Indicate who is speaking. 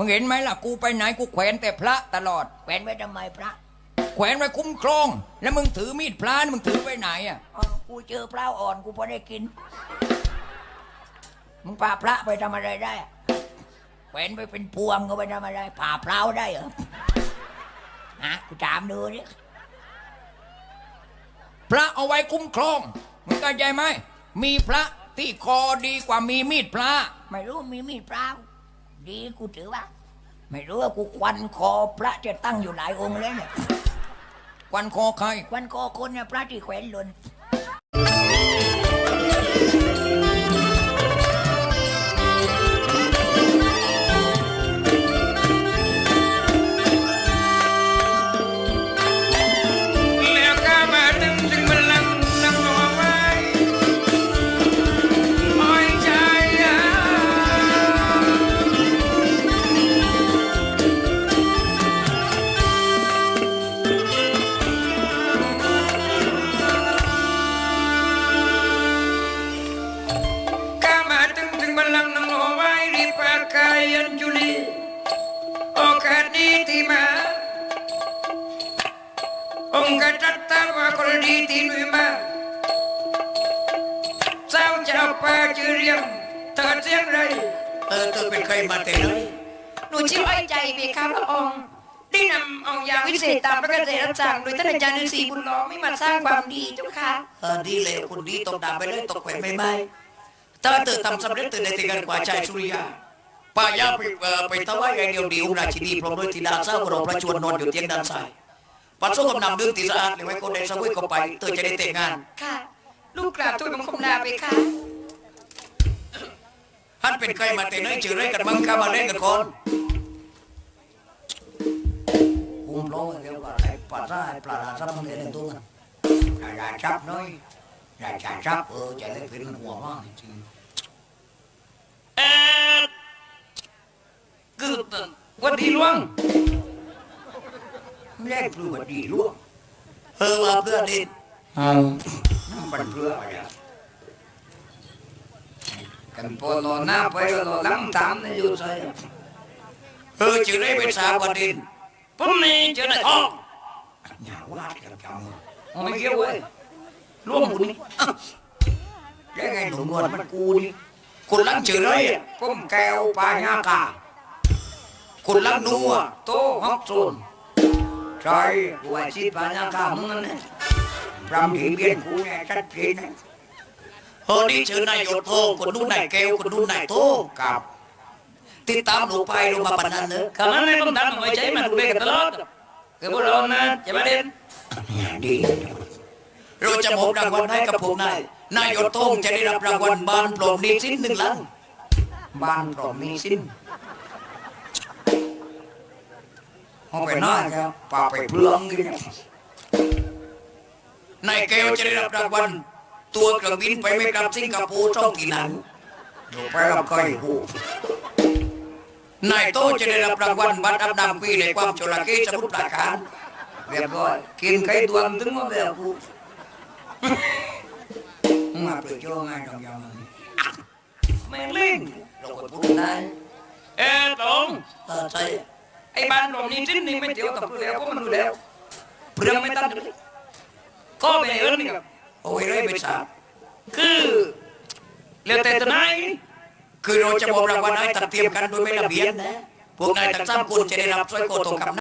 Speaker 1: มึงเห็นไหมล่ะกูไปไหนกูแขวนแต่พระตลอด
Speaker 2: แขวนไว้ทำไมพระ
Speaker 1: แขวนไว้คุ้มครอง แล้วมึงถือมีดพระนี่มึงถือไว้ไหนอ่ะ
Speaker 2: กูเจอพระอ่อนกูพอได้กินมึงพาพระไปทำอะไรได้อะแขวนไปเป็นพวงก็ไปทำอะไรผ่าพร้าวได้เหรอฮะกูถามดูดิ
Speaker 1: พระเอาไว้คุ้มครองมึงเข้าใจไหมมีพระที่คอดีกว่ามีมีดพระ
Speaker 2: ไม่รู้มีมีดพร้าวดีกูถือว่า ไม่รู้ว่ากูควันคอพระจะตั้งอยู่หลายองค์เลยเนี่ย
Speaker 1: ควันคอใคร
Speaker 2: ควันคอคนเนี่ยพระที่แขวนหล่น
Speaker 3: แล้วก็มาถึงบัลลังก์นั่งรอไว้ปล่อยใจก็มาถึงบัลลังก์นั่งรอไว้รีบประกาศยันจุลีโอกาสนี้ที่มา องค์การจัดตั้งว่าคนดีที่ลุยมาเจ้าเจ้าป่าชื่อเรียงเธอเสียงไรเธอเป็นใครมาแต่ไหน
Speaker 4: หนูชื่ออ้อยใจเบค่ะพระองค์ได้นำเอายาวิเศษตามพระกระแสรับสั่งโดยท่านอาจารย์ฤาษีบุญล้อมไม่มาสร้างความดีเจ้าค่ะ
Speaker 3: ดีเลยคนดีตกดาบไปเลยตกแขวนไม่ไม่ถ้าเธอทำสำเร็จเธอได้แต่งงานกว่าชายสุริยาป้ายาไปถวายไอเดียวดีองค์ราชินีพร้อมด้วยธิดาเศร้ารอพระชวนนอนอยู่เตียงด้านซ้ายปัสสาวะนำดื่มตีสะอาดเลยไว้คนใดสวยก็ไปเธอจะได้แต่งงาน
Speaker 4: ค่ะ ลูกกราบทูลบังคมลาเบค่ะ
Speaker 3: ท่านเป็นใครมาแต่ไหนเจอไรกันมั้งข้ามาเล่นกันก่อนคุมร้องเรียกว่าไอ้ปลาซ่าไอ้ปลาดาซับมันเล่นตัวกันอย่าจับน้อยอย่าจับจะเล่นเป็นหัวมากจริงคือวันดีล่วงแรกคือวันดีล่วงว่าเพื่อดินมันเพื่ออะไรกันพอรอหน้าไปก็รอหลังตามนี่อยู่ใช่ชื่อได้เป็นสาววันดินผมนี่ชื่อได้ทองอย่าว่ากันจังไม่เกี่ยวเว้ยร่วมบุญนี่ได้ไงหนุ่มนวลมันกูนี่คุณลังชื่อเลยผมแก้วปลายากาคุณลังนัวโตฮอกซูนใช่หัวชีปลายากามึงนั่นเนี่ยพรำถีเบียนกูเนี่ยชัดเจนนะนี่ชื่อนายโยโทคนนู้นนายแก้วคนนู้นนายโทกับติดตามหนูไปลงมาปนนั้นเนอะ
Speaker 4: คำนั้นไม่ต้องทำไว้ใจมันดูแลกันตลอดคือพวกเรานะจะมาเด่น
Speaker 3: ดีเราจะมอบรางวัลให้กับพวกนายโยโทจะได้รับรางวัลบ้านปลอมนี้สิ้น1 ล้านบ้านปลอมนี้สิ้นเอาไปหน้าครับป่าไปเปลืองกันนายแก้วจะได้รับรางวัลตัวเครื่องบินไปไม่กลับสิงคโปร์2 กี่นันอยู่ไปรับใครหูนายโตจะได้รับรางวัลบัตรอับน้ำฟรีในความโชลาเกสมุทรปราการเรียบร้อยกินไข่ดวงถึงมาแบบกูมาเปลือยโจ้ง่ายจังยังไม่เล่นเราก็พูดได้
Speaker 4: ตรง
Speaker 3: ใช่
Speaker 4: ไอ้บ้านผมนี่สิ้นนี่ไม่เที่ยวกับแล้วก็มันดูแล้วเปลืองไม่ตั้งเลยก็ไปเอิ้นนี่ครับ
Speaker 3: โอ้ยเลยเป็นสาบ
Speaker 4: คือเรียกแต่ตัวไหน
Speaker 3: คือเราจะมอบรางวัลให้ตัดเตรียมกันโดยไม่ระเบียบนะพวกนายทั้ง3 คนจะได้รับสร้อยคอทองคำ